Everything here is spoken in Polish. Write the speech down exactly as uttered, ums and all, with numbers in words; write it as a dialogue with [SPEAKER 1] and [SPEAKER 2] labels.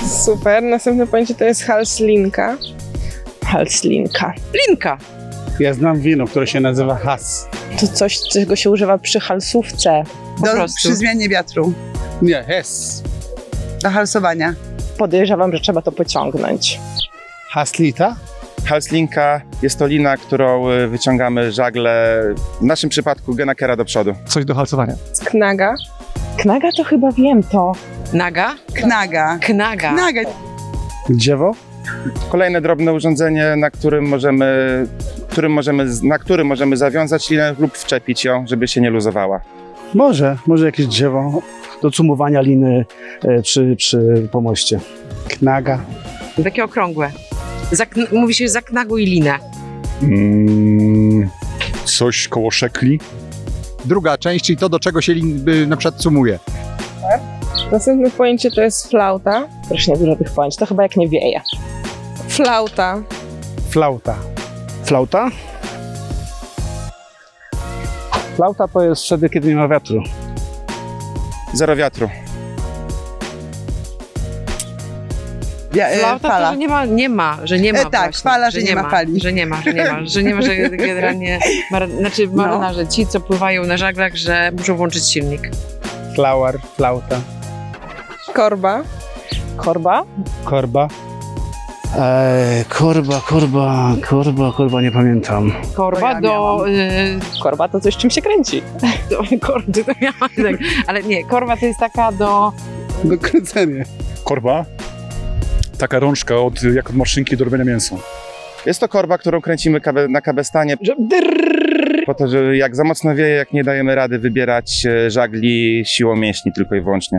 [SPEAKER 1] Super. Następne pojęcie to jest halslinka. Halslinka.
[SPEAKER 2] Linka.
[SPEAKER 3] Ja znam wino, które się nazywa has.
[SPEAKER 1] To coś, czego się używa przy halsówce.
[SPEAKER 2] Po
[SPEAKER 4] Do,
[SPEAKER 2] prostu.
[SPEAKER 4] przy zmianie wiatru,
[SPEAKER 3] Nie, hes.
[SPEAKER 4] do halsowania.
[SPEAKER 1] Podejrzewam, że trzeba to pociągnąć.
[SPEAKER 3] Haslita?
[SPEAKER 5] Halslinka jest to lina, którą y, wyciągamy żagle, w naszym przypadku genakera do przodu.
[SPEAKER 6] Coś do halsowania.
[SPEAKER 1] Knaga. Knaga to chyba wiem to.
[SPEAKER 2] Naga.
[SPEAKER 4] Knaga.
[SPEAKER 2] Knaga.
[SPEAKER 4] Knaga.
[SPEAKER 3] Dziewo?
[SPEAKER 5] Kolejne drobne urządzenie, na którym możemy, którym możemy, na którym możemy zawiązać linę lub wczepić ją, żeby się nie luzowała.
[SPEAKER 3] Może, może jakieś drzewo do cumowania liny e, przy, przy pomoście. Knaga.
[SPEAKER 2] Takie okrągłe. Zakn- mówi się zaknaguj linę.
[SPEAKER 7] Mm, coś koło szekli.
[SPEAKER 6] Druga część, czyli to, do czego się lin, y, na przykład sumuje.
[SPEAKER 1] Następne pojęcie to jest flauta. Strasznie dużo tych pojęć. To chyba jak nie wieje. Flauta.
[SPEAKER 3] Flauta. Flauta? Flauta to jest wtedy, kiedy nie ma wiatru.
[SPEAKER 5] Zero wiatru.
[SPEAKER 4] Ja, e,
[SPEAKER 2] Flauta to,
[SPEAKER 4] fala.
[SPEAKER 2] że nie ma, nie ma, że nie ma
[SPEAKER 4] E, tak,
[SPEAKER 2] właśnie,
[SPEAKER 4] fala, że nie ma fali.
[SPEAKER 2] Że nie ma, że nie ma, że nie ma, że generalnie, mar- znaczy
[SPEAKER 4] No.
[SPEAKER 2] marynarze, ci co pływają na żaglach, że muszą włączyć silnik.
[SPEAKER 3] Flower, flauta.
[SPEAKER 1] Korba. Korba.
[SPEAKER 3] Korba. Eee, korba, korba, korba, korba, nie pamiętam.
[SPEAKER 2] Korba
[SPEAKER 4] ja
[SPEAKER 2] do, y,
[SPEAKER 1] Korba to coś, czym się kręci.
[SPEAKER 2] do kordy, to miałam tak, ale nie, korba to jest taka do,
[SPEAKER 3] Do kręcenia.
[SPEAKER 7] Korba. Taka rączka od, jak od maszynki do robienia mięsa.
[SPEAKER 5] Jest to korba, którą kręcimy kabe, na kabestanie,
[SPEAKER 1] Że drrrr.
[SPEAKER 5] po to, że jak za mocno wieje, jak nie dajemy rady wybierać e, żagli siłą mięśni tylko i wyłącznie.